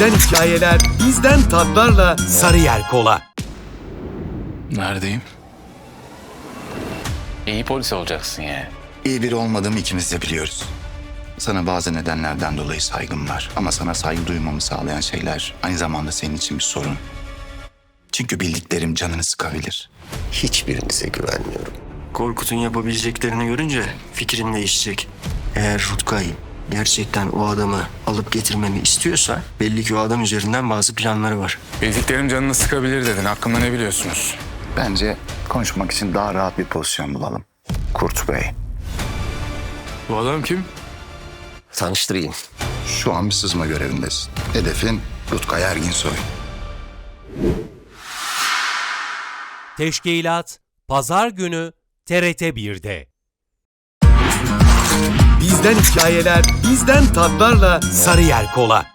Bizden hikayeler, bizden tatlarla Sarıyer Kola. Neredeyim? İyi polis olacaksın yani. İyi biri olmadığımı ikimiz de biliyoruz. Sana bazı nedenlerden dolayı saygım var. Ama sana saygı duymamı sağlayan şeyler aynı zamanda senin için bir sorun. Çünkü bildiklerim canını sıkabilir. Hiçbirinize güvenmiyorum. Korkut'un yapabileceklerini görünce fikrin değişecek. Eğer Rutkay gerçekten o adamı alıp getirmemi istiyorsa belli ki o adam üzerinden bazı planları var. Bildiklerim canını sıkabilir dedin. Hakkında ne biliyorsunuz? Bence konuşmak için daha rahat bir pozisyon bulalım. Kurt Bey, Bu adam kim? Tanıştırayım. şu an bir sızma görevindesin. Hedefin Rutkay Erginsoy. Teşkilat Pazar günü TRT 1'de. Bizden hikayeler, bizden tatlarla Sarıyer Kola.